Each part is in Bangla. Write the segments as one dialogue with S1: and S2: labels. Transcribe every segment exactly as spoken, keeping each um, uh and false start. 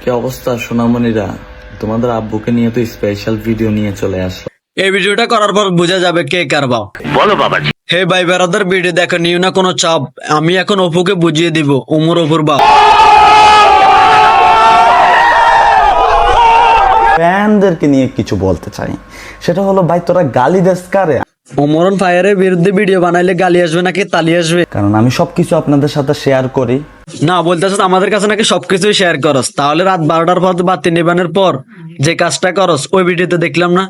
S1: কি অবস্থা সোনামণিরা, তোমাদের আব্বুকে নিয়ে তো স্পেশাল ভিডিও নিয়ে চলে আসলো।
S2: এই ভিডিওটা করার পর বোঝা যাবে কে কার বাপ।
S3: বলো বাবাজি।
S2: হে ভাই বেড়াদার, ভিডিও দেখো নিও না কোনো চাপ। আমি এখন অপুকে বুঝিয়ে দিব ওমর অপুর বাপ।
S1: ফ্যানদেরকে নিয়ে কিছু বলতে চাই, সেটা হলো ভাই তোরা গালি দেস কারে?
S2: ওমরন ফায়ারের বিরুদ্ধে ভিডিও বানাইলে গালি আসবে নাকি তালি আসবে?
S1: কারণ আমি সবকিছু আপনাদের সাথে শেয়ার করি।
S2: না বলতেছ আমাদের কাছে নাকি সবকিছুই শেয়ার করস, তাহলে রাত বারোটার পর বাতি নিবানের পর যে কাজটা করস ওই ভিডিওতে দেখলাম না।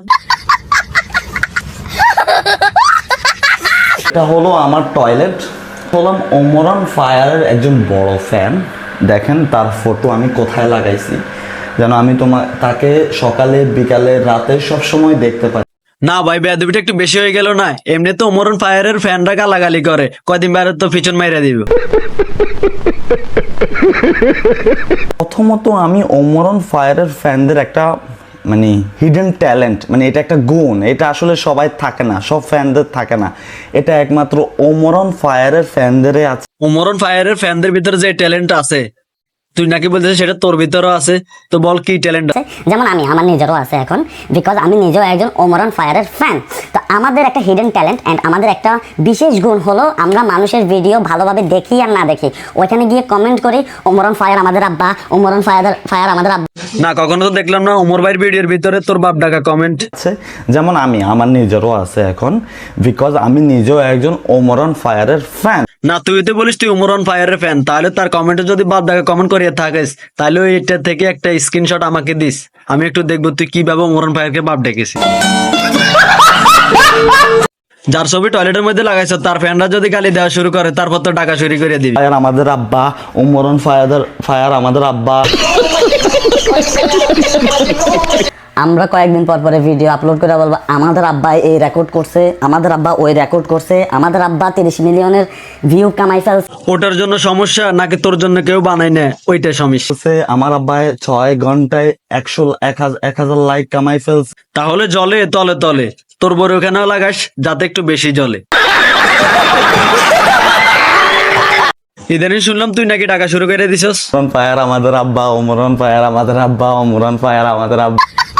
S1: এটা হলো আমার টয়লেট। হলাম ওমরন ফায়ারের একজন বড় ফ্যান। দেখেন তার ফটো আমি কোথায় লাগাইছি, যেন আমি তোমার তাকে সকালে বিকালে রাতে সব সময় দেখতে পাই।
S2: না ভাই বেয়াদবিটা একটু বেশি হয়ে গেল না? এমনি তো ওমরন ফায়ারের ফ্যানরা গালাগালি করে, কয়দিন বাইরে তো পিছন মাইরা দিব।
S1: প্রথমত আমি ওমরন ফায়ারের ফ্যানদের একটা মানে হিডেন ট্যালেন্ট, মানে এটা একটা গুণ, এটা আসলে সবাই থাকে না, সব ফ্যানদের থাকে না, এটা একমাত্র ওমরন ফায়ারের ফ্যানদেরই আছে।
S2: ওমরন ফায়ারের ফ্যানদের ভিতরে যে ট্যালেন্ট আছে তুই নাকি বলতেছিস সেটা তোর ভিতরেও আছে, তো বল কি ট্যালেন্ট আছে?
S4: যেমন আমি, আমার নিজেরও আছে এখন, বিকজ আমি নিজেও একজন ওমরন ফায়ারের ফ্যান। তো আমাদের একটা হিডেন ট্যালেন্ট অ্যান্ড আমাদের একটা বিশেষ গুণ হলো আমরা মানুষের ভিডিও ভালোভাবে দেখি আর না দেখি ওইখানে গিয়ে কমেন্ট করি ওমরন ফায়ার আমাদের আব্বা, ওমরন ফায়ার ফায়ার আমাদের আব্বা।
S2: না কখনো তো দেখলাম না ওমর ভাইয়ের ভিডিওর ভিতরে তোর বাপ ডাকা কমেন্ট
S1: আছে। যেমন আমি, আমার নিজেরও আছে এখন, বিকজ আমি নিজেও একজন ওমরন ফায়ারের ফ্যান।
S2: না তুই তো বলিস তুই ওমরন ফায়ারের ফ্যান, তাহলে তার কমেন্টে যদি বাপ ডাকা কমেন্ট করিয়ে থাকিস তাহলে ওইটা থেকে একটা স্ক্রিনশট আমাকে দিস, আমি একটু দেখবো তুই কিভাবে ওমরন ফায়ারকে বাপ ডেকেছিস। যার ছবি টয়লেটের মধ্যে লাগাইছ তার ফ্যানরা যদি গালি দেওয়া শুরু করে তারপর তো টাকা চুরি করে দিবি।
S1: ফায়ার আমাদের আব্বা, ওমরন ফায়ার ফায়ার আমাদের আব্বা।
S4: আমরা কয়েকদিন পর পরে ভিডিও আপলোড করে বলবো আমাদের আব্বা এই রেকর্ড করছে, আমাদের আব্বা ওই রেকর্ড করছে, আমাদের আব্বা তিরিশ মিলিয়নের ভিউ কামাই ফেলছে।
S2: ওটার জন্য সমস্যা নাকি তোর জন্য কেউ বানাই না ওইটাই সমস্যা?
S1: বলছে, আমার আব্বা ছয় ঘন্টায় একশো এক হাজার এক হাজার লাইক কামাই ফেলছে।
S2: তাহলে জলে তলে তলে তোর বড় ওখানেও লাগাস যাতে একটু বেশি জলে। ইদানিং শুনলাম তুই নাকি টাকা শুরু করে দিছস।
S1: ওমরন ফায়ার আমাদের আব্বা, ওমরন ফায়ার আমাদের আব্বা, ওমরন ফায়ার আমাদের আব্বা।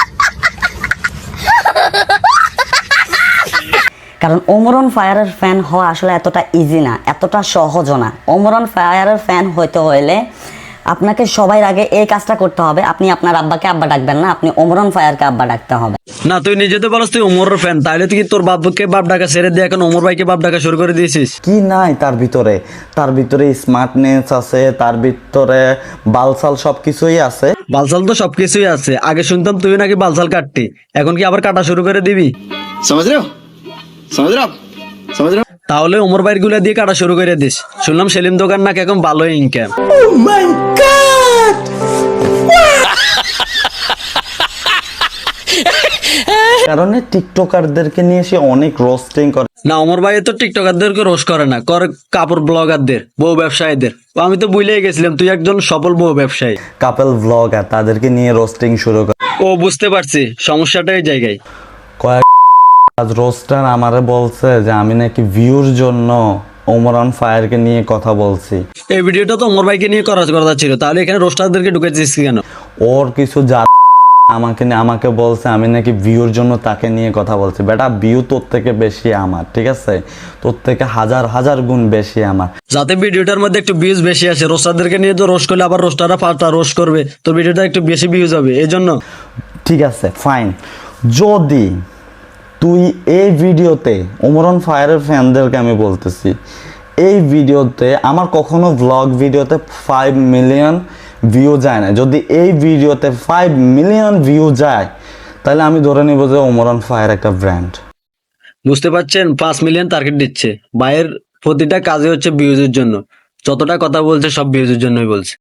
S4: কারণ ওমরন ফায়ারের ফ্যান হওয়া আসলে এতটা ইজি না, এতটা সহজও না। ওমরন ফায়ারের ফ্যান হইতে হইলে আপনাকে সবাই আগে এই কাজটা করতে হবে, আপনি আপনার আব্বাকে আব্বা ডাকবেন না, আপনি ওমরন ফায়ারকে আব্বা ডাকতে হবে।
S2: না তুই নিজে তো বলস তুই ওমরের ফ্যান, তাহলে তুই কি তোর বাপকে বাপ ডাকা ছেড়ে দিয়ে এখন ওমর ভাইকে বাপ ডাকা শুরু করে দিয়েছিস?
S1: কি নাই তার ভিতরে, তার ভিতরে স্মার্টনেস আছে, তার ভিতরে বালসাল সবকিছুই আছে।
S2: বালসাল তো সবকিছুই আছে, আগে শুনতাম তুই নাকি বালসাল কাটতি, এখন কি আবার কাটা শুরু করে দিবি?
S3: समझ रहे हो समझ रहे हो आप? समझ रहे हो?
S2: তাহলে ওমর ভাইয়ের গুলা দিয়ে কাটা শুরু করে দিস। শুনলাম সেলিম দোকান নাকি এখন ভালো ইনকাম।
S1: কারণে টিকটকারদেরকে নিয়ে সে অনেক রোস্টিং করে।
S2: না ওমর ভাই তো টিকটকারদেরকে রোশ করে না, করে কাপড় ব্লগারদের, বউ ব্যবসায়ীদের। ও আমি তো বুঝলেই গেছিলাম তুই একজন সফল বউ ব্যবসায়ী।
S1: কাপল ব্লগার তাদেরকে নিয়ে রোস্টিং শুরু করে।
S2: ও বুঝতে পারছি সমস্যাটা এই জায়গায়।
S1: কয়েক রোস্টার আমারে বলছে যে আমি নাকি ভিউর জন্য ওমরন ফায়ারকে নিয়ে কথা বলছি।
S2: এই ভিডিওটা তো ওমর ভাইকে নিয়ে করার কথা ছিল, তাহলে এখানে রোস্টারদেরকে ঢুকেছিস কেন?
S1: ওর কিছু যা আমাকে নিয়ে- আমাকে বলছে আমি নাকি ভিউর জন্য তাকে নিয়ে কথা বলছি। বেটা ভিউ তোর থেকে বেশি আমার, ঠিক আছে? তোর থেকে হাজার হাজার গুণ বেশি আমার।
S2: যাতে ভিডিওটার মধ্যে একটু ভিউজ বেশি আসে, রোস্টারদেরকে নিয়ে তো রোস্ট করলে আবার রোস্টাররা পাল্টা রোস্ট করবে, তোর ভিডিওটা একটু বেশি ভিউজ হবে এই জন্য।
S1: ঠিক আছে ফাইন, যদি তুই এই ভিডিওতে ওমরন ফায়ারের ফ্যানদেরকে আমি বলতেছি, এই ভিডিওতে আমার কখনো ব্লগ ভিডিওতে ফাইভ মিলিয়ন ভিউ যায় না, যদি এই ভিডিওতে ফাইভ মিলিয়ন ভিউ যায় তাহলে আমি ধরে নিব যে ওমরন ফায়ার একটা ব্র্যান্ড।
S2: বুঝতে পারছেন, পাঁচ মিলিয়ন টার্গেট দিচ্ছে ভাইয়ের, প্রতিটা কাজে হচ্ছে ভিউজের জন্য, যতটা কথা বলছে সব ভিউজের জন্যই বলছে।